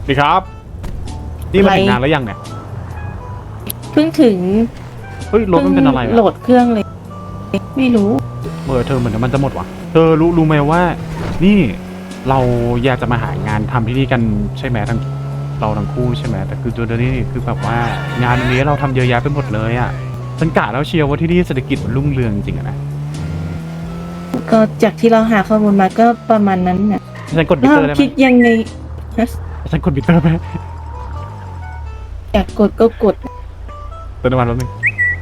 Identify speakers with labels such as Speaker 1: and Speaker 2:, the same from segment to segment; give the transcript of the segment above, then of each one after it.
Speaker 1: ดีครับนี่มาถึงงานแล้วยังเนี่ย
Speaker 2: เพิ่งถึง
Speaker 1: เฮ้ยรถมันเป็นอะไร
Speaker 2: โหลดเครื่องเลยไม่รู้
Speaker 1: เธอเหมือนน้ำมันจะหมดว่ะเธอรู้ไหมว่านี่เราอยากจะมาหางานทำที่นี่กันใช่ไหมเราทั้งคู่ใช่ไหมแต่คือตัวนี้คือแบบว่างานนี้เราทำเยอะแยะไปหมดเลยอ่ะฉันกะแล้วเชียร์ว่าที่นี่เศรษฐกิจมันรุ่งเรืองจริงๆนะ
Speaker 2: ก็จากที่เราหาข้อมูลมาก็ประมาณนั้นน่ะ
Speaker 1: ฉันกดมิเตอร์ได้ไหม
Speaker 2: คิดยังไง
Speaker 1: ฉันกดมิเตอร์ไหม
Speaker 2: อยากกดก็กด
Speaker 1: เติมน้ำมันแป๊บนึง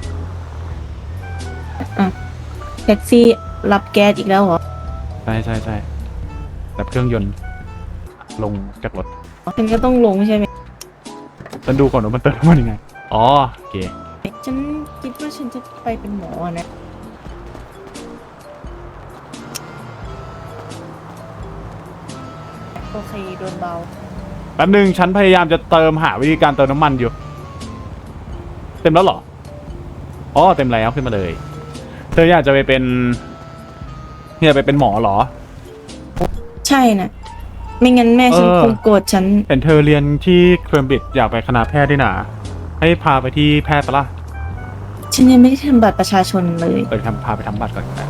Speaker 2: แท็กซี่รับแก๊สอีกแล้วเหรอ
Speaker 1: ใช่แบบเครื่องยนต์ลงจากรถ
Speaker 2: ฉันก็ต้องลงใช่ไหม
Speaker 1: ฉันดูก่อนว่ามันเติมน้ำมันยังไงอ๋อโอเค
Speaker 2: ฉันคิดว่าฉันจะไปเป็นหมอนะโอเคโดนเบา
Speaker 1: แป๊บนึงฉันพยายามจะเติมหาวิธีการเติมน้ำมันอยู่เต็มแล้วเหรออ๋อเต็มแล้วขึ้นมาเลยเธออยากจะไปเป็นหมอเหรอ
Speaker 2: ใช่นะไม่งั้นแม่ฉันคงโกรธฉัน
Speaker 1: เห็นเธอเรียนที่เคมบริดจ์อยากไปคณะแพทย์ด้วยนะให้พาไปที่แพทย์ปะล่ะ
Speaker 2: ฉันยังไม่ได้ทำบัตรประชาชนเลย
Speaker 1: พาไปทำบัตรก่อนนะ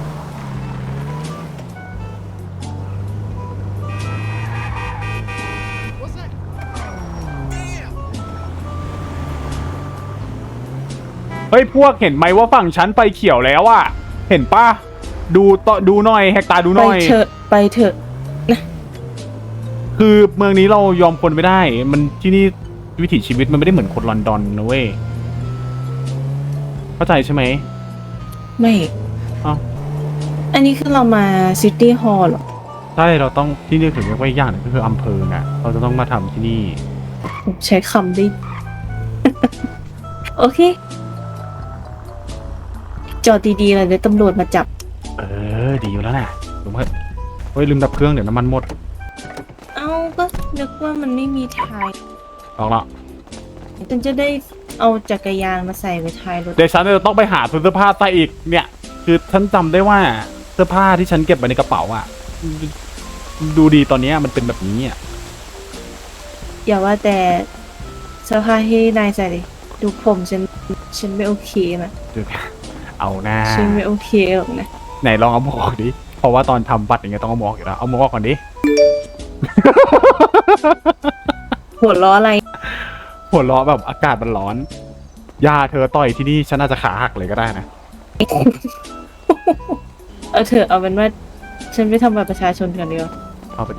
Speaker 1: เฮ้ยพวกเห็นไหมว่าฝั่งฉันไฟเขียวแล้วอะเห็นปะดูหน่อยแหกตาดูหน่อย
Speaker 2: ไปเถอะนะ
Speaker 1: คือเมืองนี้เรายอมคนไม่ได้มันที่นี่วิถีชีวิตมันไม่ได้เหมือนคนลอนดอนนะเว้ยเข้าใจใช่ไหม
Speaker 2: ไม่อันนี้คือเรามาซิตี้ฮอลล์หรอ
Speaker 1: ใช่เราต้องที่นี่ถึงเรียกว่าอย่างนึงก็คืออำเภอไงเราจะต้องมาทำที่นี่
Speaker 2: ใช้คำได้ โอเคจอดดีๆเลยเดี๋ยวตำรวจมาจับ
Speaker 1: ดีอยู่แล้วแหละลุงเฮ้ยลืมดับเครื่องเดี๋ยวน้ำมันหมด
Speaker 2: เอาก็นึกว่ามันไม่มีท้าย
Speaker 1: ออกละ
Speaker 2: ฉันจะได้เอาจักรยานมาใส่ไว้ท้ายรถ
Speaker 1: เดี๋ยวฉันจะต้องไปหาเสื้อผ้าใส่อีกเนี่ยคือฉันจำได้ว่าเสื้อผ้าที่ฉันเก็บไว้ในกระเป๋าอ่ะดูดีตอนนี้มันเป็นแบบนี้อ่ะ
Speaker 2: อย่าว่าแต่เสื้อผ้าให้นายใส่เลยดูผมฉันไม่โอเคนะ
Speaker 1: เอาหน้า
Speaker 2: ฉันไม่โอเคหรอกนะ
Speaker 1: ไหนลองเอาหมวกออกดิเพราะว่าตอนทำบัตรอย่างเงี้ยต้องเอาหมวกอยู่แล้วเอาหมวกออกก่อนดิ
Speaker 2: หัวล้ออะไร
Speaker 1: หัวล้อแบบอากาศมันร้อนยาเธอต่อยที่นี่ฉันอาจจะขาหักเลยก็ได้นะ
Speaker 2: เอาเถอะเอาเป็นว่าฉันไปทำบัตรประชาชนกันเดียว
Speaker 1: เอาไปดิ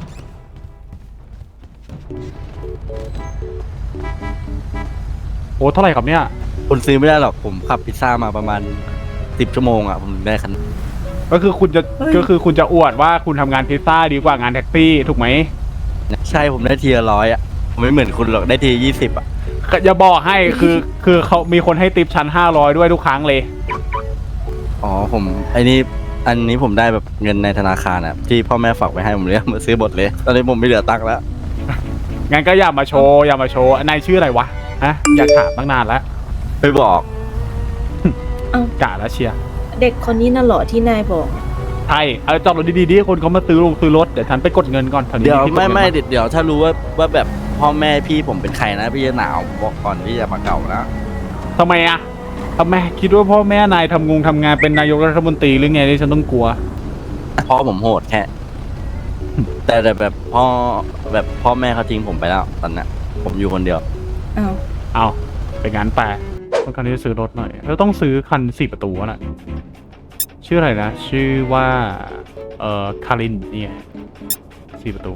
Speaker 1: โอ้เท่าไหร่ครับเนี่ย
Speaker 3: คุณซื้อไม่ได้หรอกผมขับพิซซ่ามาประมาณ10 ชั่วโมงอ่ะผมได้คัน
Speaker 1: ก็คือคุณจะอวดว่าคุณทำงานพิซซ่าดีกว่างานแท็กซี่ถูกไหม
Speaker 3: ใช่ผมได้ทีละ100อ่ะผมไม่เหมือนคุณหรอกได้ที20อ่ะ
Speaker 1: อย่าบอกให้คือเขามีคนให้ติปชั้น500ด้วยทุกครั้งเลย
Speaker 3: อ๋อผมอันนี้ผมได้แบบเงินในธนาคารอ่ะที่พ่อแม่ฝากไว้ให้ผมเลยมาซื้อบทเลยตอนนี้ผมไม่เหลือตังค์แล้ว
Speaker 1: งั้นก็อย่ามาโชว์นายชื่ออะไรวะฮะอยากถามตั้งนานแล้ว
Speaker 3: ไม่บอก
Speaker 1: กะแล้วเชียร์
Speaker 2: เด็กคนนี้น่ะเหรอที่นายบอก
Speaker 1: ใช่จอดรถดีๆคนเขามาซื้อรถเดี๋ยวฉันไปกดเงินก่อน
Speaker 3: เดี๋ยวไม่เดี๋ยวถ้ารู้ว่าแบบพ่อแม่พี่ผมเป็นใครนะพี่จะหนาวบอกก่อนที่จะมาเก่านะ
Speaker 1: ทำไมคิดว่าพ่อแม่นายทำงานเป็นนายกรัฐมนตรีหรือไงที่ฉันต้องกลัว
Speaker 3: พ่อผมโหดแค่แต่แบบพ่อแม่เขาทิ้งผมไปแล้วตอนนี้ผมอยู่คนเดียว
Speaker 1: เอาไปงานแต่ต้องการที่จะซื้อรถหน่อยแล้วต้องซื้อคัน4 ประตูน่ะชื่ออะไรนะชื่อว่าคารินเนี่ย4 ประตู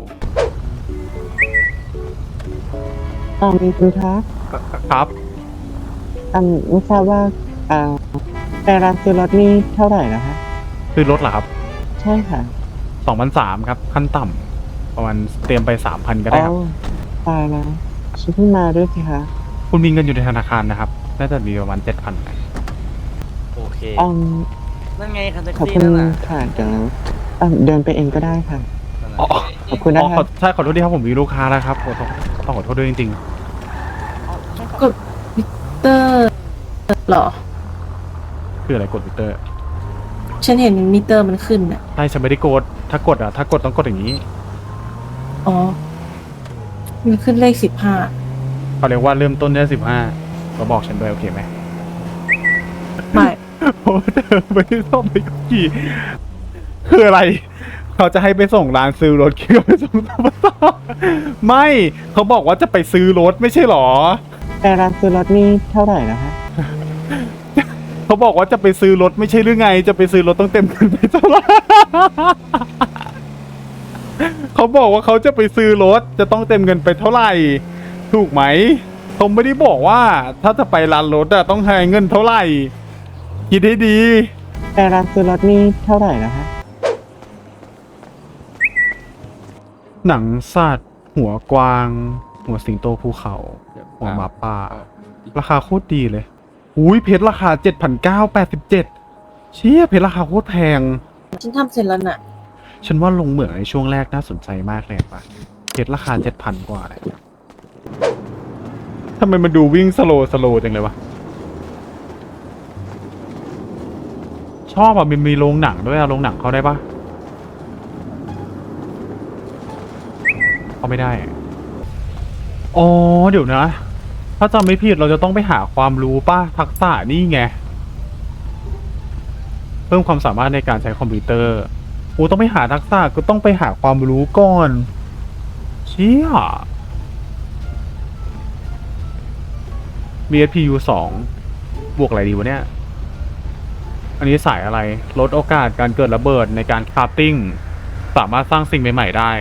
Speaker 4: คุณคะ
Speaker 1: ครับ
Speaker 4: ไม่ทราบว่าแต่ร้านซื้อรถนี่เท่าไหร่นะคะ
Speaker 1: ซื้อรถเหรอครับ
Speaker 4: ใช่ค่ะ
Speaker 1: 2,300ครับขั้นต่ำประมาณเตรียมไป 3,000ก็ได้ครับ
Speaker 4: ตายแล้วฉันเพิ่งมาด้วยสิคะ
Speaker 1: คุณมีเงินอยู่ในธนาคารนะครับน่าจะมีประมาณ 7,000
Speaker 3: โอเคนั่นไงคันแท็ก
Speaker 4: ซี่
Speaker 3: นั่นน่ะ
Speaker 4: ค่ะเดี๋ยวเดินไปเองก็ได้ค่ะขอบคุณนะครับ
Speaker 1: ใช่ขอโทษที่ครับผมมีลูกค้าแล้วครับต้องขอโทษด้วยจริง
Speaker 2: กดมิเตอร์หรอ
Speaker 1: คืออะไรกดมิเตอร์
Speaker 2: ฉันเห็นมิเตอร์มันขึ้นอ่ะ
Speaker 1: ใช่ฉันไม่ได้กดถ้ากดต้องกดอย่างนี้
Speaker 2: อ๋อมันขึ้นเลข15
Speaker 1: เขาเรียกว่าเริ่มต้นได้15ก็บอกฉันด้วยโอเคไหม
Speaker 2: ไม่
Speaker 1: เพราะว่าเธอไม่ได้ส่งไปกับขี่คืออะไร เขาจะให้ไปส่งร้านซื้อรถขี่ก็ไปส่งตบตไม่เขาบอกว่าจะไปซื้อรถไม่ใช่หรอ
Speaker 4: แต่ร้านซื้อรถนี่เท่าไหร่นะคะ
Speaker 1: เขาบอกว่าจะไปซื้อรถไม่ใช่หรือไง จะไปซื้อรถต้องเต็มเงินไปเท่าไหร่ เขาบอกว่าเขาจะไปซื้อรถจะต้องเต็มเงินไปเท่าไหร่ ถูกไหมเขาไม่ได้บอกว่า ถ้าจะไปร้านรถอะต้องให้เงินเท่าไหร่ คิดให้ดี
Speaker 4: แต่ร้านซื้อรถนี่เท่าไหร่นะคะ
Speaker 1: หนังสัตว์หัวกวาง หัวสิงโตภูเขา หัวหมาป่า ราคาโคตรดีเลยอุ้ยเพชรราคา 7,987 เชี่ยเพชรราคาโคตรแพง
Speaker 2: ฉันทำเสร็จแล้วน่ะ
Speaker 1: ฉันว่าลงเหมืองในช่วงแรกน่าสนใจมากเลยป่ะเพชรราคา 7,000 กว่าเลยทำไมมันดูวิ่งสโลว์จังเลยวะ ชอบอ่ะมีโรงหนังด้วยอะโรงหนังเข้าได้ปะเข้าไม่ได้อะอ๋อเดี๋ยวนะ ถ้าจำไม่ผิดเราจะต้องไปหาความรู้ป่ะทักษะนี่ไง เพิ่มความสามารถในการใช้คอมพิวเตอร์กูต้องไปหาทักษะก็ต้องไปหาความรู้ก่อน เชี่ย BSPU 2 บวกอะไรดีวะเนี่ย อันนี้สายอะไร ลดโอกาสการเกิดระเบิดในการคราฟติ้ง สามารถสร้างสิ่งใหม่ๆได้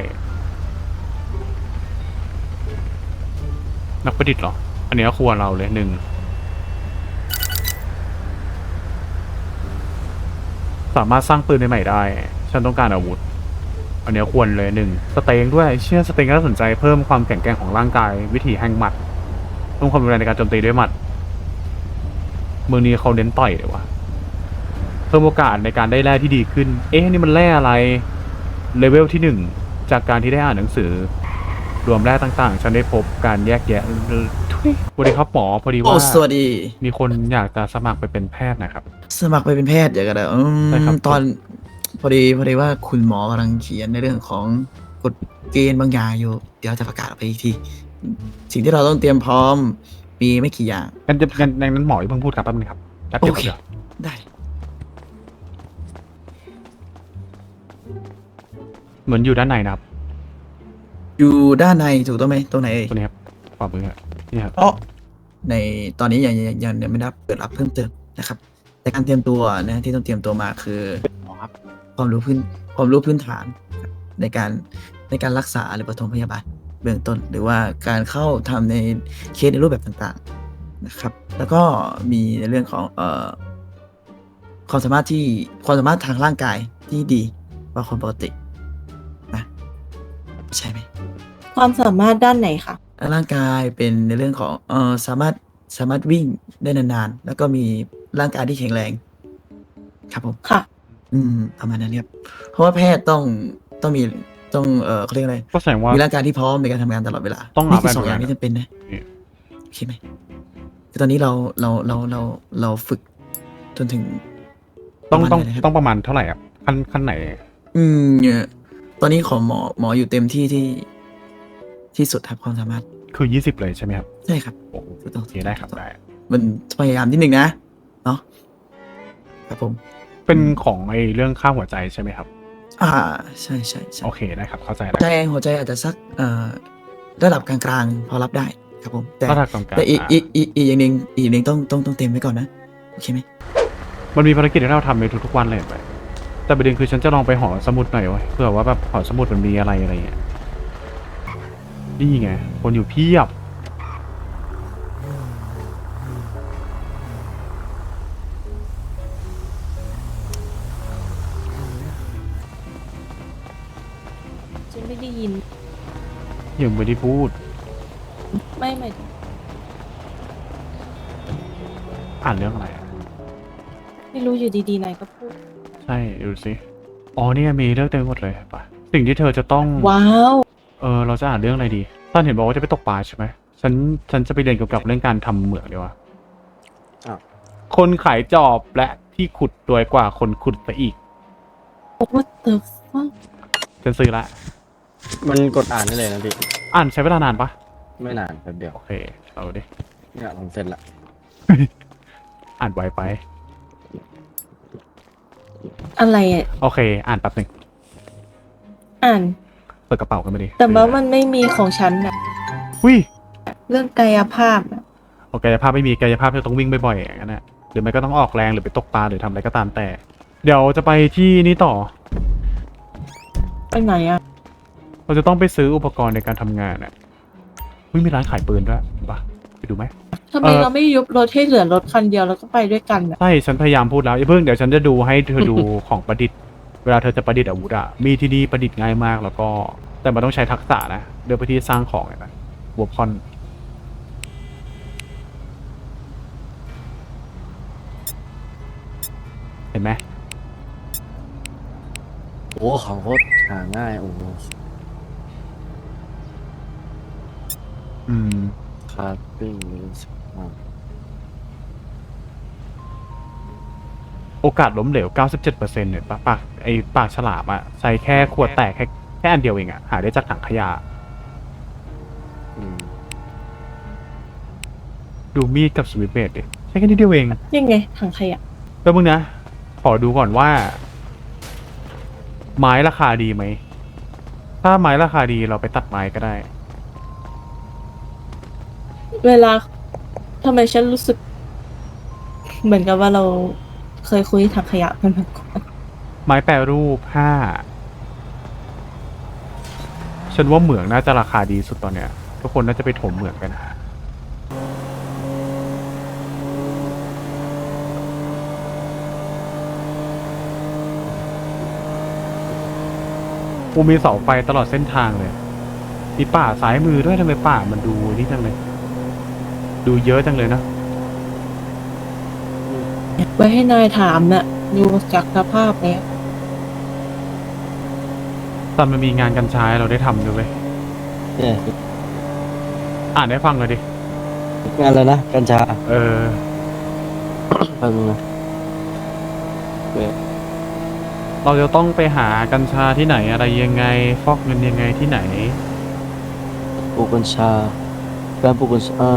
Speaker 1: นักประดิษฐ์เหรอ อันนี้ควรเราเลย1 สามารถสร้างปืนใหม่ๆได้ ฉันต้องการอาวุธ อันนี้ควรเลย1 สเต็งด้วย เชื่อสเต็งก็น่าสนใจเพิ่มความแข็งแกร่งของร่างกาย วิถีแห่งหมัดเพิ่มความรุนแรงในการโจมตีด้วยหมัด เมืองนี้เขาเน้นต่อยเลยวะเพิ่มโอกาสในการได้แร่ที่ดีขึ้น เอ๊ะนี่มันแร่อะไร เลเวลที่ 1 จากการที่ได้อ่านหนังสือ รวมแร่ต่างๆ ฉันได้พบการแยกแยะทุยสวัสดีครับหมอพอดี
Speaker 5: โอ้
Speaker 1: ว่า
Speaker 5: สวัสดี
Speaker 1: มีคนอยากจะสมัครไปเป็นแพทย์นะครับ
Speaker 5: สมัครไปเป็นแพทย์เดี๋ยวกันนะ
Speaker 1: ใช่ครับ
Speaker 5: ตอนพอดีว่าคุณหมอกำลังเขียนในเรื่องของกฎเกณฑ์บางอย่างอยู่ เดี๋ยวจะประกาศออกไปอีกที สิ่งที่เราต้องเตรียมพร้อมมีไม่กี่อย่าง
Speaker 1: งั้นหมออย่าเพิ่งพูดครับแป๊บนึงครับแป๊บเดียว
Speaker 5: โอเค
Speaker 1: เดี๋ยว
Speaker 5: ได้
Speaker 1: เหมือนอยู่ด้านในนะครับ
Speaker 5: อยู่ด้านในถูกต้องไหมตรงไหนเอ่ย
Speaker 1: ตัวนี้ครับฝ่ามือครับนี่ครับ
Speaker 5: อ๋อในตอนนี้ยังไม่ได้เปิดรับเพิ่มเติมนะครับ แต่การเตรียมตัวนะที่ต้องเตรียมตัวมาคือความรู้พื้นฐานในการรักษาหรือปฐมพยาบาลเบื้องต้น หรือว่าการเข้าทำในเคสในรูปแบบต่างๆนะครับ แล้วก็มีในเรื่องของความสามารถทางร่างกายที่ดีกว่าคนปกตินะใช่ไหม
Speaker 2: ความสามารถด้านไหนคะ
Speaker 5: ร่างกายเป็นในเรื่องของสามารถวิ่งได้นานๆ แล้วก็มีร่างกายที่แข็งแรง ครับผม
Speaker 2: ค่ะ
Speaker 5: ประมาณนั้นครับเพราะว่าแพทย์ต้องเขาเรียกอะไร
Speaker 1: ก็แสดงว่า
Speaker 5: มีร่างกายที่พร้อมในการทำงานตลอดเวลา
Speaker 1: ต้อง
Speaker 5: นี่
Speaker 1: รับ
Speaker 5: คือสอง
Speaker 1: แบบ
Speaker 5: อย่างที่จำเป็นนะ
Speaker 1: นี่
Speaker 5: โอเคไหมคือตอนนี้เราฝึกจนถึง
Speaker 1: ต้อง
Speaker 5: ประมาณไหนนะครับ
Speaker 1: ต้องประมาณเท่าไหร่ครับขั้นไหน
Speaker 5: เนี่ยตอนนี้ของหมออยู่เต็มที่สุดครับความสามารถ
Speaker 1: คือ20เลยใช่ไหมครับ
Speaker 5: ใช่ครับ
Speaker 1: โอ้โห
Speaker 5: ถูกต้อง
Speaker 1: โอเคได้ครับได้
Speaker 5: มันพยายามนิดนึงนะเนาะครับผม
Speaker 1: เป็นของไอ้เรื่องค่าหัวใจใช่ไหมครับ
Speaker 5: ใช่
Speaker 1: โอเคได้ครับเข้าใจแล้ว
Speaker 5: หัวใจอาจจะสักระดับกลางๆพอรับได้ครับผมแต่
Speaker 1: ถ้าทางกลางๆ
Speaker 5: แต่อีกอย่างหนึ่งต้องเต็มไว้ก่อนนะโอเคไหม
Speaker 1: มันมีภารกิจที่เราทำในทุกๆวันเลยไปแต่ประเด็นคือฉันจะลองไปหอสมุดหน่อยวะเผื่อว่าแบบหอสมุดมันมีอะไรเงี้ยนี่ไงคนอยู่เพียบ
Speaker 2: ฉันไม่ได้ยิน
Speaker 1: ยังไม่ได้พูด
Speaker 2: ไม่หมายถึง
Speaker 1: อ่านเรื่องอะไรอะ
Speaker 2: ไม่รู้อยู่ดีๆนายก็พูด
Speaker 1: ใช่ดูสิอ๋อเนี่ยมีเรื่องเต็มไปหมดเลยปะสิ่งที่เธอจะต้อง
Speaker 2: ว้าว
Speaker 1: เราจะอ่านเรื่องอะไรดีท่านเห็นบอกว่าจะไปตกปลาใช่ไหมฉันจะไปเรียนเกี่ยวกับเรื่องการทำเหมืองดีกว่า
Speaker 3: อ้าว
Speaker 1: คนขายจอบและที่ขุดรวยกว่าคนขุดซะอีก
Speaker 2: What the fuck
Speaker 1: ฉันซื้อละ
Speaker 3: มันกดอ่านได้เลยนะพี่
Speaker 1: อ่านใช้เวลานานปะ
Speaker 3: ไม่นานแป๊บเดียว
Speaker 1: โอเคเอาดิ
Speaker 3: เนี่ยผมเสร็จละ
Speaker 1: อ่านไวไป
Speaker 2: อะไรอ่ะ
Speaker 1: โอเค อ่านแป๊บหนึ่ง
Speaker 2: อ่าน
Speaker 1: เปิดกระเป๋ากันมาดิ
Speaker 2: แต่ว่ามันไม่มีของฉันอ่ะ
Speaker 1: อุ้ย
Speaker 2: เรื่องกายภาพอ่ะ
Speaker 1: โอเคกายภาพไม่มีกายภาพจะต้องวิ่งบ่อยๆอย่างนั้นนะหรือไม่ก็ต้องออกแรงหรือไปตกปลาหรือทำอะไรก็ตามแต่ เดี๋ยวจะไปที่นี่ต่อ
Speaker 2: ไปไหนอ่ะ
Speaker 1: เราจะต้องไปซื้ออุปกรณ์ในการทำงานอ่ะอุ้ยมีร้านขายปืนด้วยเห็นปะไปดูไหม
Speaker 2: ทำไมเราไม่ยุบรถให้เหลือรถคันเดียวแล้วก็ไปด้วยกันอ่ะ
Speaker 1: ใช่ ฉันพยายามพูดแล้วอย่าเพิ่งเดี๋ยวฉันจะดูให้เธอดู ของประดิษฐ์ เวลาเธอจะประดิษฐ์อาวุธอะมีที่นี่ประดิษฐ์ง่ายมากแล้วก็ แต่มันต้องใช้ทักษะนะเดินไปที่สร้างของไงนะวัวพอนเห็นไหม
Speaker 3: โอ้ของโคตรหาง่ายโอ้โห
Speaker 1: อืม
Speaker 3: คาร์ปิ้งมิส
Speaker 1: โอกาสล้มเหลว 97%เนี่ยปากฉลามอะใช้แค่ขวดแตกแค่อันเดียวเองอะหาได้จากถังขยะ
Speaker 3: อืม
Speaker 1: ดูมีดกับสวิตช์เบลดดิใช้แค่นิดเดียวเอง
Speaker 2: ยังไงถังขยะ
Speaker 1: แป๊บมึงนะ ขอดูก่อนว่า ไม้ราคาดีไหม ถ้าไม้ราคาดีเราไปตัดไม้ก็ได้
Speaker 2: เวลาทำไมฉันรู้สึก เหมือนกับว่าเราเคยคุยถังขยะกันมาก่อน
Speaker 1: ไม้แปรรูปฉันว่าเหมืองน่าจะราคาดีสุดตอนเนี้ย ทุกคนน่าจะไปถมเหมืองกัน กูมีเสาไฟตลอดเส้นทางเลย มีป่าซ้ายมือด้วยทำไมป่ามันดูนี่จังเลย ดูเยอะจังเลยนะ
Speaker 2: ไว้ให้นายถามน่ะดูจากสภาพแล้ว
Speaker 1: ตอนมันมีงานกัญชาให้เราได้ทำด้วยเว้ย
Speaker 3: เนี่ย
Speaker 1: อ่านให้ฟังเลยดิ
Speaker 3: งานแล้วนะกัญชา
Speaker 1: เออ
Speaker 3: แป๊บนึงนะ
Speaker 1: เราจะต้องไปหากัญชาที่ไหนอะไรยังไง ฟอกเงินยังไงที่ไหน
Speaker 3: ปลูกกัญชา การปลูกกัญชา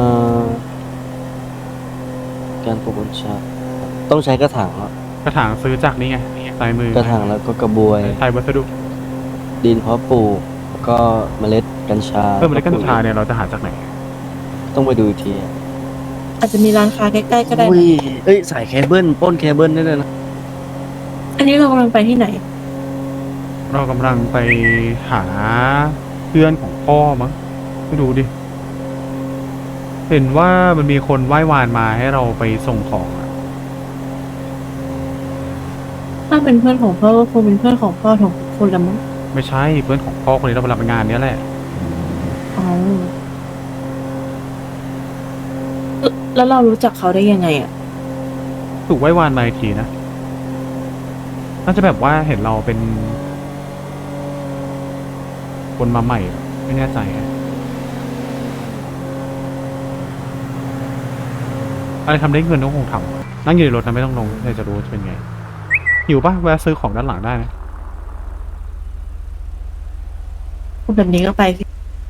Speaker 3: การปลูกกัญชา ต้องใช้กระถางอะ
Speaker 1: กระถางซื้อจากนี่ไงซ้ายมือก
Speaker 3: ระถางแล้วก็กระบวย
Speaker 1: ไทยวัสดุ
Speaker 3: ดินเพาะปลูกแล้วก็เมล็ดกัญชา
Speaker 1: เพิ่มเมล็ดกัญชาเนี่ยเราจะหาจากไหน
Speaker 3: ต้องไปดูอีกทีอะ
Speaker 2: อาจจะมีร้านค้าใกล้ๆก็ได้
Speaker 3: อุ้
Speaker 2: นะ
Speaker 3: ยเอ้ยสายเคเบิลปล้นเคเบิลได้เลยนะ
Speaker 2: อันนี้เรากำลังไปที่ไหน
Speaker 1: เรากำลังไปหาเพื่อนของพ่อมั้งไปดูดิ เห็นว่ามันมีคนไหว้วานมาให้เราไปส่งของอะ
Speaker 2: ถ้าเป็นเพื่อนของพ่อก็คงเป็นเพื่อนของพ่อของคนละมั้ง
Speaker 1: ไม่ใช่เพื่อนของพ่อคนนี้เราไปรับงานเนี้ยแหละ
Speaker 2: อ๋อแล้วเรารู้จักเขาได้ยังไงอ่ะ
Speaker 1: ถูกไหว้วานมาอีกทีนะ น่าจะแบบว่าเห็นเราเป็น คนมาใหม่ ไม่แน่ใจอะอะไรทำได้เงินก็คงทำนั่งอยู่ในรถนะไม่ต้องลงเลยจะรู้ว่าจะเป็นไงหิวปะแวะซื้อของด้านหลังได้นะ
Speaker 2: พูดแบบนี้ก็ไปสิ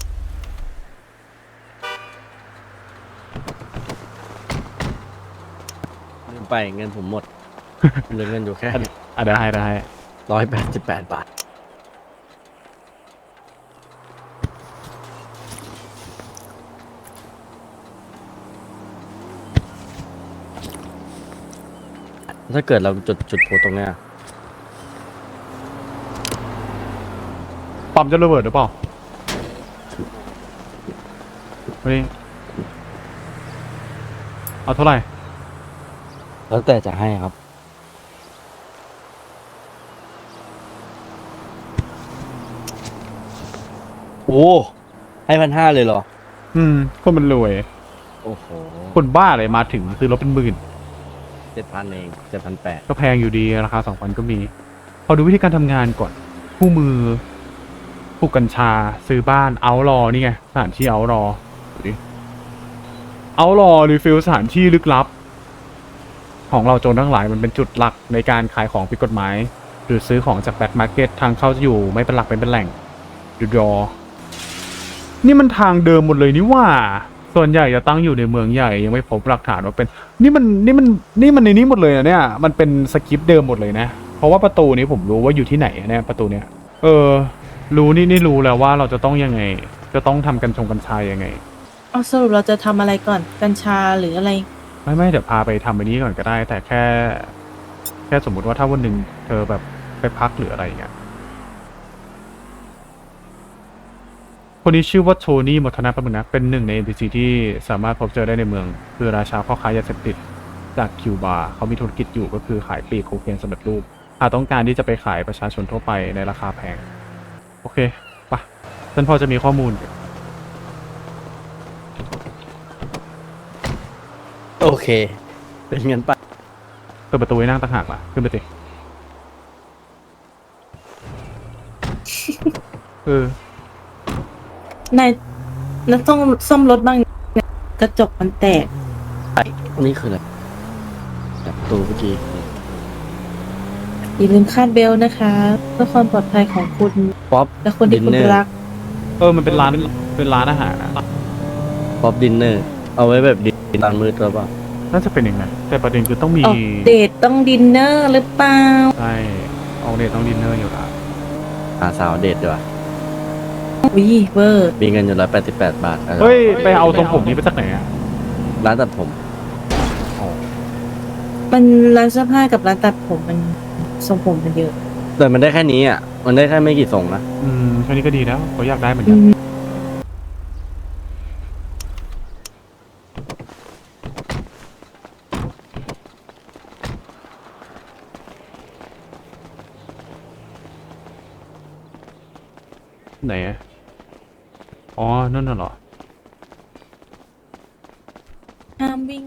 Speaker 3: ลืมไปเงินผมหมด เหลือเงินอยู่แค่
Speaker 1: อ่ะได้
Speaker 3: 188 บาท ถ้าเกิดเราจุดโพตรงเนี้ย
Speaker 1: ปั๊มจะระเบิดหรือเปล่าวันนี้เอาเท่าไหร่
Speaker 3: แล้วแต่จะให้ครับ โอ้ให้1,500เลยเหรอ
Speaker 1: คนมันรวย
Speaker 3: โอ้โห
Speaker 1: คนบ้าเลยมาถึงซื้อรถเป็นหมื่น
Speaker 3: 7,000 เอง 7,800
Speaker 1: ก็แพงอยู่ดีราคา 2,000 ก็มี พอดูวิธีการทำงานก่อน คู่มือปลูกกัญชาซื้อบ้านเอารอนี่ไงสถานที่เอารอดูดิเอารอรีฟิลสถานที่ลึกลับ ของเราโจรทั้งหลายมันเป็นจุดหลักในการขายของผิดกฎหมาย หรือซื้อของจากแบล็คมาร์เก็ตทางเข้าจะอยู่ไม่เป็นหลักเป็นแหล่ง หรอนี่มันทางเดิมหมดเลยนี่ว่าส่วนใหญ่จะตั้งอยู่ในเมืองใหญ่ยังไม่พบหลักฐานว่าเป็นนี่มันในนี้หมดเลยนะเนี่ยมันเป็นสคริปต์เดิมหมดเลยนะเพราะว่าประตูนี้ผมรู้ว่าอยู่ที่ไหนเนี่ยประตูเนี้ยรู้นี่รู้แล้วว่าเราจะต้องยังไงจะต้องทำกัญชายังไง
Speaker 2: เอาสรุปเราจะทำอะไรก่อนกัญชาหรืออะไร
Speaker 1: ไม่เดี๋ยวพาไปทำไปนี้ก่อนก็ได้ แต่แค่สมมุติว่าถ้าวันหนึ่งเธอแบบไปพักหรืออะไรอย่างเงี้ยคนนี้ชื่อว่าโทนี่มอทนาปะมึงนะเป็นหนึ่งใน NPC ที่สามารถพบเจอได้ในเมืองคือราชาพ่อค้ายาเสพติดจากคิวบาเขามีธุรกิจอยู่ก็คือขายปลีกโคเคนสำเร็จรูปหากต้องการที่จะไปขายประชาชนทั่วไปในราคาแพงโอเคปะฉันพอจะมีข้อมูล
Speaker 3: โอเค เป็นเงินไป
Speaker 1: เปิดประตูให้นั่งต่างหากล่ะขึ้นไปสิ
Speaker 2: นายต้องซ่อมรถบ้างนะกระจกมันแตก
Speaker 3: นี่คืออะไรจากประตูเมื่อกี้
Speaker 2: อย่าลืมคาดเบลต์นะคะเพื่อความปลอดภัยของคุณ
Speaker 3: ป๊อป
Speaker 2: และคนที่คุณ
Speaker 3: Dinner
Speaker 2: รัก
Speaker 1: มันเป็นร้านอาหารนะ
Speaker 3: ป๊อปดินเนอร์เอาไว้แบบดินตอนมืดหรือเปล่า
Speaker 1: น่าจะเป็นอย่างนั้นแต่ประเด็นคือต้องมี
Speaker 2: ออกเดทต้องดินเนอร์หรือเปล่า
Speaker 1: ใช่ออกเดทต้องดินเนอร์อยู่แล้ว
Speaker 3: หาสาวเดทดีกว่า
Speaker 2: วิเวอร์
Speaker 3: มีเงินอยู่188 บาท
Speaker 1: เฮ้ยไปเอาทรงผมนี้มาจากไหนอ่ะ
Speaker 3: ร้านตัดผม
Speaker 2: มันร้านเสื้อผ้ากับร้านตัดผมมันทรงผมมันเยอะ
Speaker 3: แต่มันได้แค่นี้อ่ะ มันได้แค่ไม่กี่ทรงนะ
Speaker 1: แค่นี้ก็ดีแล้วเขาอยากได้เหมือน
Speaker 2: อื
Speaker 1: กัน
Speaker 2: ม
Speaker 1: ไหนอะอ๋อนั่นน่ะเหรอ
Speaker 2: ห้ามวิ่ง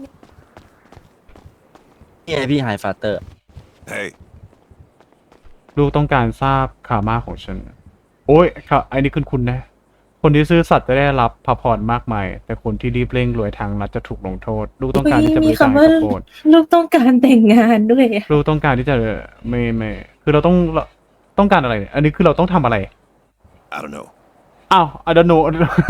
Speaker 3: นี่ไงพี่ไฮฟาเตอร์
Speaker 6: Hey,
Speaker 1: ลูกต้องการทราบคามาของฉัน โอ้ยค่ะไอ้นี่คุณนะ คนที่ซื่อสัตย์จะได้รับพระพรมากมาย แต่คนที่รีบเร่งรวยทางรัฐจะถูกลงโทษ ลูกต้องการที่จะบ
Speaker 2: มี
Speaker 1: ริจาค
Speaker 2: คำว่า
Speaker 1: ข้าวโพด
Speaker 2: ลูกต้องการแต่งงานด้วยอะ
Speaker 1: ลูกต้องการที่จะไม่คือเราต้องการอะไรเนี่ยอันนี้คือเราต้องทำอะไร
Speaker 6: I don't know.
Speaker 1: อ้าว I don't know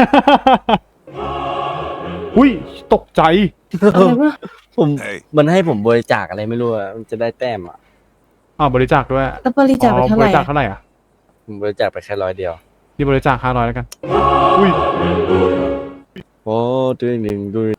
Speaker 1: อุ้ยตกใจ
Speaker 2: อะไรวะ
Speaker 3: ผม
Speaker 6: Hey,
Speaker 3: มันให้ผมบริจาคอะไรไม่รู้อะมันจะได้แต้มอ่ะ
Speaker 1: อ้าวบริจาคด้วย
Speaker 2: แล้วบริจาคไปเท่า
Speaker 1: บ
Speaker 2: ไหร่
Speaker 1: ริจาค
Speaker 2: อะ
Speaker 1: เท่าไหร่อ่ะ
Speaker 3: ผมบริจาคไปแค่100 เดียว
Speaker 1: นี่บริจาค500แล้วกัน อุ้ย
Speaker 3: โอ้ด้วยหนึ่งด้วย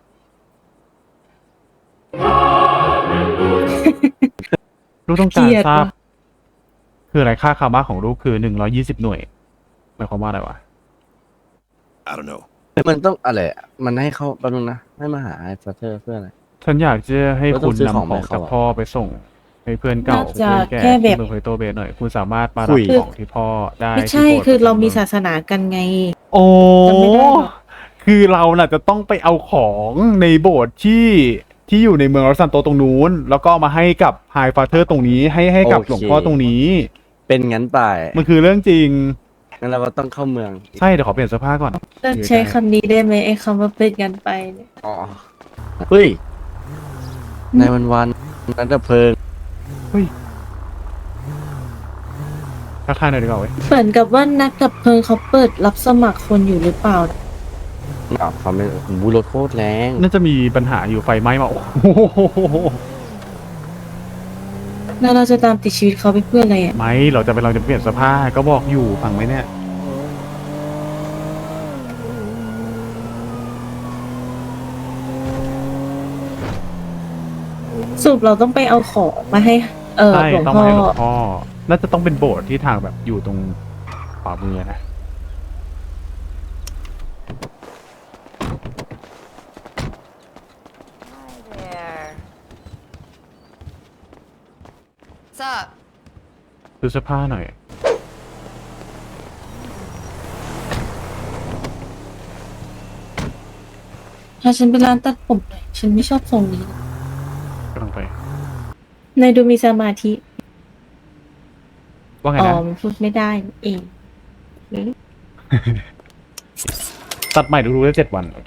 Speaker 1: ลูกต้องการทราบ คืออะไรค่าคามาของลูกคือ120 หน่วยหมายความว่าอะไรวะ
Speaker 6: I don't know.
Speaker 3: มันต้องอะไรอะมันให้เข้าแป๊บนึงนะ ให้มาหาไฮฟาเตอร์เพื่ออะไร
Speaker 1: ฉันอยากจะให้
Speaker 3: เราต้
Speaker 1: คุ
Speaker 3: อง
Speaker 1: ณ
Speaker 3: ซื้อของ
Speaker 1: นำของ
Speaker 3: ไปเข้า
Speaker 1: จาก
Speaker 3: อะ
Speaker 1: พ่อไปส่ง ให้เพื่อนเก่า
Speaker 2: น่าจะ
Speaker 1: เพื่อนแก่
Speaker 2: แค่แบบ
Speaker 1: ที่เมืองเพโตเบสหน่อย คุณสามารถมา
Speaker 3: คุ
Speaker 1: รับ
Speaker 3: ย
Speaker 1: ของที่พ่อได้
Speaker 2: ไม่ใช่
Speaker 1: ที่โบสถ์
Speaker 2: คือเรามีศาสนากันไง
Speaker 1: โอ้
Speaker 2: จำไม่ได้หรอก
Speaker 1: คือเราน่ะจะต้องไปเอาของในโบสถ์ที่อยู่ในเมืองรอสซันโตตรงนู้น แล้วก็เอามาให้กับไฮฟาเธอร์ตรงนี้ให้กับ
Speaker 3: โอเค
Speaker 1: หลวงพ่อตรงนี้
Speaker 3: เป็นงั้นไป
Speaker 1: มันคือเรื่องจริง
Speaker 3: งั้นเราก็ต้องเข้าเมือง
Speaker 1: ใช่เดี๋ยวขอเปลี่ยนเสื้อผ้าก่อน
Speaker 2: เลิกใช้คำนี้ได้ไหมไอ้คำว่าเป็นกันไปเนี่ย
Speaker 3: อ๋อ เฮ้ย ในวันนั้นดับเพลิง
Speaker 1: ทักทายหน่อยดีกว่าเว้ย
Speaker 2: เหมือนกับว่านักดับเพลิงเขาเปิดรับสมัครคนอยู่หรือเปล่า
Speaker 3: อ้าวเขาไม่บูรถโคตรแรง
Speaker 1: น่าจะมีปัญหาอยู่ไฟไหม้มาโอ้โห
Speaker 2: แล้วเราจะตามติดชีวิตเขาไปเพื่ออะไรอ่ะ
Speaker 1: ไม่เราจะเปลี่ยนเสื้อผ้าก็บอกอยู่ฟังไหมเนี่ย
Speaker 2: สรุปเราต้องไปเอาของมาให้
Speaker 1: ใช่
Speaker 2: หลวง
Speaker 1: ต้อง
Speaker 2: พ่อ
Speaker 1: มาให้หลวงพ่อ น่าจะต้องเป็นโบสถ์ที่ทางแบบอยู่ตรงขวามือนะ
Speaker 7: There. What's up?
Speaker 1: ซื้อเสื้อผ้าหน่อย
Speaker 2: ถ้าฉันเป็นร้านตัดผมหน่อยฉันไม่ชอบทรงนี้
Speaker 1: กำลังไป
Speaker 2: นายดูมีสมาธิ
Speaker 1: ว่าไง
Speaker 2: อ๋อ
Speaker 1: นะ
Speaker 2: มันพูดไม่ได้เอง
Speaker 1: ตัดใหม่ดูได้7 วัน โอเค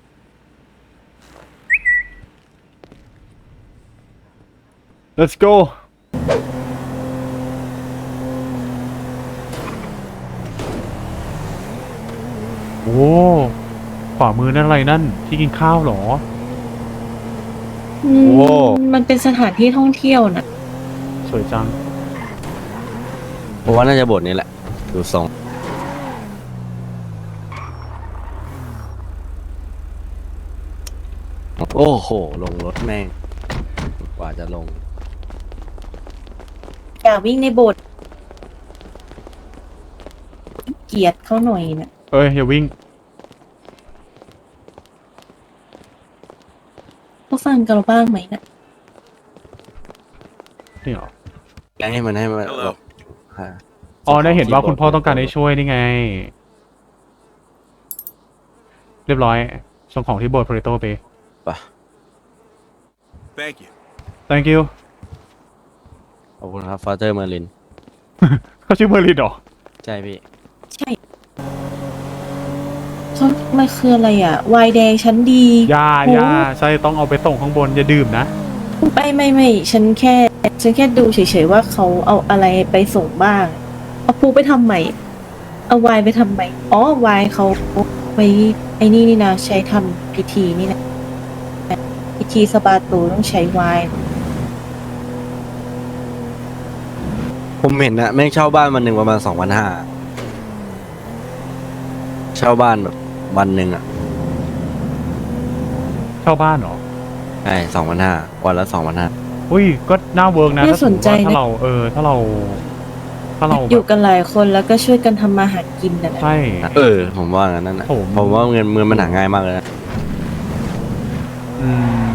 Speaker 1: let's go
Speaker 2: น
Speaker 1: โอ้ขวามือนั่นอะไรนั่น ที่กินข้าวเหรอ
Speaker 2: อืมมันเป็นสถานที่ท่องเที่ยวนะ
Speaker 1: สวยจัง
Speaker 3: ผมว่าน่าจะบทนี้แหละ ดูทรงโอ้โห ลงรถแม่ง กว่าจะลง
Speaker 2: อย่าวิ่งในโบสถ์เกลียดเขาหน่อยนะ
Speaker 1: เอ้ยอย่าวิ่ง
Speaker 2: เขาฟังกันเราบ้างไหมนะ
Speaker 1: นี่เหรอ
Speaker 3: ให้มัน
Speaker 6: Hello.
Speaker 1: อ๋อได้เห็นว่าคุณพ่อต้องการให้ช่วยนี่ไง เรียบร้อยส่งของที่โบสถ์โพลิโตไป
Speaker 3: ป่ะ
Speaker 6: Thank you.
Speaker 1: thank you
Speaker 3: ขอบคุณครับฟาเตอร์เมอร์ลิน
Speaker 1: เขาชื่อเมอร์ลินเหรอ
Speaker 3: ใช่พี่
Speaker 2: ใช่เขามันคืออะไรอ่ะวายแดงชั้นดี
Speaker 1: อย่าใช่ต้องเอาไปส่งข้างบนอย่าดื่มนะ
Speaker 2: ไม่ฉันแค่ดูเฉยๆว่าเขาเอาอะไรไปส่งบ้าง เอาพูไปทำใหม่ เอาวายไปทำใหม่อ๋อวายเขาไปไอ้นี่นะใช้ทำพิธีนี่นะพิธีสปาตูต้องใช้วาย
Speaker 3: ผมเห็นนะแม่งเช่าบ้านวันหนึ่งประมาณ2,500เช่าบ้านแบบวันหนึ่งอ่ะ
Speaker 1: เช่าบ้านเหรอ
Speaker 3: ใช่2,500วันละ2,500
Speaker 1: อุ้ยก็น่าเวิร์กนะ
Speaker 2: น่าสนใจ
Speaker 1: ถ้า
Speaker 2: นะ
Speaker 1: เราถ้าเรา
Speaker 2: อยู่กันหลายคนแล้วก็ช่วยกันทำมาหากินนะ
Speaker 1: ใช่
Speaker 3: ผมว่างั้นนั่นนะ
Speaker 1: ผม
Speaker 3: ผมว่าเงินมันหาง่ายมากเลยนะ
Speaker 1: อืม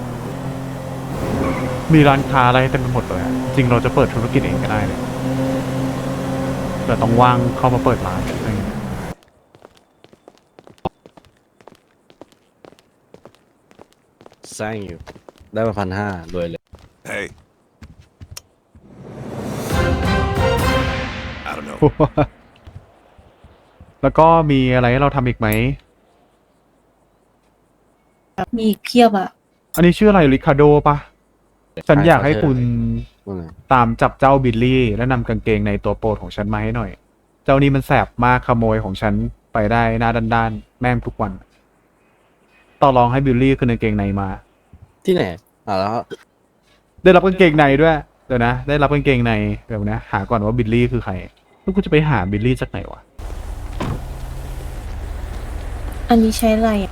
Speaker 1: มีร้านค้าอะไรเต็มไปหมดเลยอะจริงเราจะเปิดธุรกิจเองก็ได้เลยแต่ต้องว่างเข้ามาเปิดร้านอะไรอย่างเงี้ย
Speaker 3: สร้างอยู่ได้มา1,500รวยเลย
Speaker 6: Hey. I don't know.
Speaker 1: แล้วก็มีอะไรให้เราทำอีกไหม
Speaker 2: มีอีกเพียบอ่ะ
Speaker 1: อันนี้ชื่ออะไรริคาโดปะฉันอยากให้คุณ
Speaker 3: ว่าไง
Speaker 1: ตามจับเจ้าบิลลี่และนำกางเกงในตัวโปรดของฉันมาให้หน่อย เจ้านี้มันแสบมากขโมยของฉันไปได้หน้าด้านๆแม่งทุกวัน ต่อรองให้บิลลี่คืนกางเกงในมา
Speaker 3: ที่ไหนแล้ว
Speaker 1: ได้รับกางเกงในด้วย เดี๋ยวนะ ได้รับกางเกงในเดี๋ยวนะ หาก่อนว่าบิลลี่คือใครแล้วกูจะไปหาบิลลี่จากไหนวะ
Speaker 2: อันนี้ใช้อะไรอะ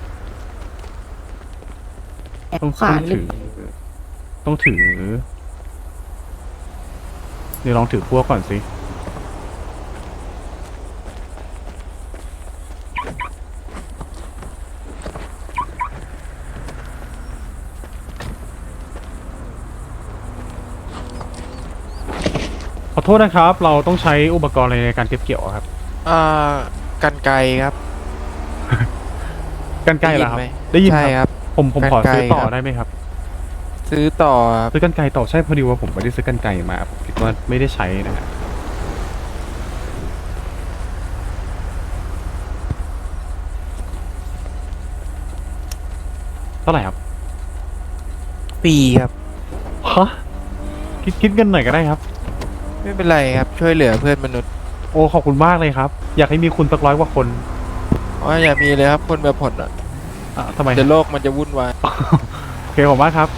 Speaker 2: แอบ
Speaker 1: ต้อง
Speaker 2: ขวานหรือ
Speaker 1: ต้องถือเดี๋ยวลองถือพวกก่อนสิ ขอโทษนะครับ เราต้องใช้อุปกรณ์อะไรในการเก็บเกี่ยวอะครับ
Speaker 8: กันไกรครับ
Speaker 1: กันไกลเหรอครับ
Speaker 8: ได้ยินไหม
Speaker 1: ได้ยิน
Speaker 8: ใช่
Speaker 1: ค
Speaker 8: ครับ รับ
Speaker 1: ผมขอก
Speaker 8: รรไกร
Speaker 1: ซื้อต่อ
Speaker 8: ครับ
Speaker 1: ได้ไหมครับ
Speaker 8: ซื้อต่อครับ
Speaker 1: ซื้อกันไกลต่อใช่พอดีว่าผมไม่ได้ซื้อกันไกลมาผมคิดว่าไม่ได้ใช้นะฮะเท่าไหร่ครับ
Speaker 8: ปีครับ
Speaker 1: ฮะคิดเงินหน่อยก็ได้ครับ
Speaker 8: ไม่เป็นไรครับ ช่วยเหลือเพื่อนมนุษย์
Speaker 1: โอ้ขอบคุณมากเลยครับ อยากให้มีคุณสัก100 กว่าคน
Speaker 8: อ๋ออย่ามีเลยครับ คนแบบผลอ่ะ
Speaker 1: ทำไม
Speaker 8: เดี๋ยวโลกมันจะวุ่นวาย
Speaker 1: โอเคขอบคุณมากครับ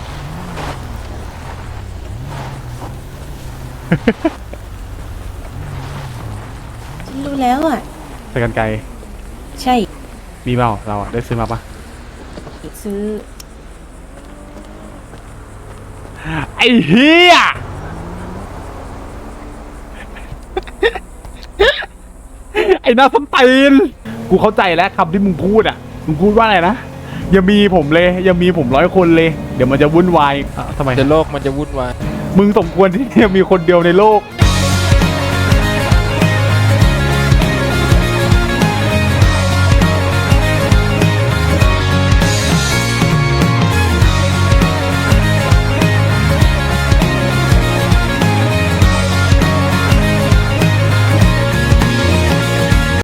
Speaker 2: ฉันรู้แล้วอ่ะ
Speaker 1: ใส่กันไกล
Speaker 2: ใช่
Speaker 1: มีเปล่าเราอะได้ซื้อมาปะ
Speaker 2: ซื้อ
Speaker 1: ไอ้เฮีย ไอ้หน้าส้นตีนกูเข้าใจแล้วคำที่มึงพูดอ่ะ มึงพูดว่าอะไรนะ อย่ามีผมเลย อย่ามีผม100 คนเลย เดี๋ยวมันจะวุ่นวายทำไม
Speaker 8: เดี๋ยวโลกมันจะวุ่นวาย
Speaker 1: มึงสมควรที่จะมีคนเดียวในโลก